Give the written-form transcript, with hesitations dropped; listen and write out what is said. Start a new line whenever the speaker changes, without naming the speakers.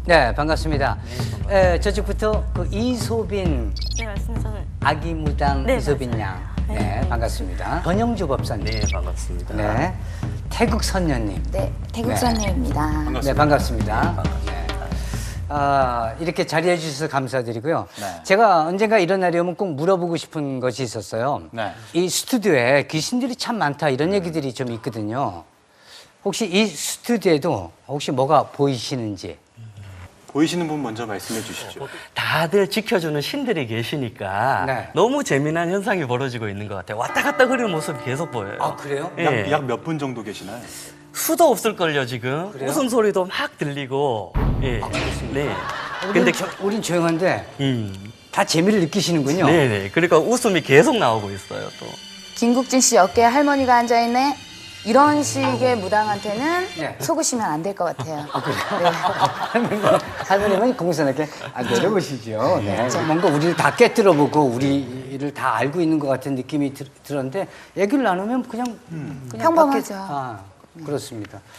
네, 반갑습니다. 저쪽부터 그 이소빈
네, 맞습니다. 저는
아기무당
네,
이소빈
맞아요.
양. 네, 반갑습니다. 전영주 법사님.
네, 반갑습니다.
네. 태국 선녀님.
네, 태국
네.
선녀입니다.
네, 반갑습니다. 네. 이렇게 자리해 주셔서 감사드리고요.
네.
제가 언젠가 이런 날이 오면 꼭 물어보고 싶은 것이 있었어요.
네.
이 스튜디오에 귀신들이 참 많다 이런 얘기들이 좀 있거든요. 혹시 이 스튜디오에도 혹시 뭐가 보이시는지?
보이시는 분 먼저 말씀해 주시죠.
다들 지켜주는 신들이 계시니까
네.
너무 재미난 현상이 벌어지고 있는 것 같아요. 왔다 갔다 그리는 모습이 계속 보여요.
아, 그래요?
예.
약 몇 분 정도 계시나요?
수도 없을걸요, 지금.
그래요?
웃음소리도 막 들리고. 예. 네.
근데 우린 조용한데 다 재미를 느끼시는군요.
네네. 그러니까 웃음이 계속 나오고 있어요, 또.
김국진 씨 어깨에 할머니가 앉아있네. 이런 식의 무당한테는
네.
속으시면 안 될 것 같아요.
할머님은 공손하게 내려보시죠. 네. 뭔가 우리를 다 깨뜨려보고 우리를 다 알고 있는 것 같은 느낌이 들었는데 얘기를 나누면 그냥
평범하죠.
그렇습니다.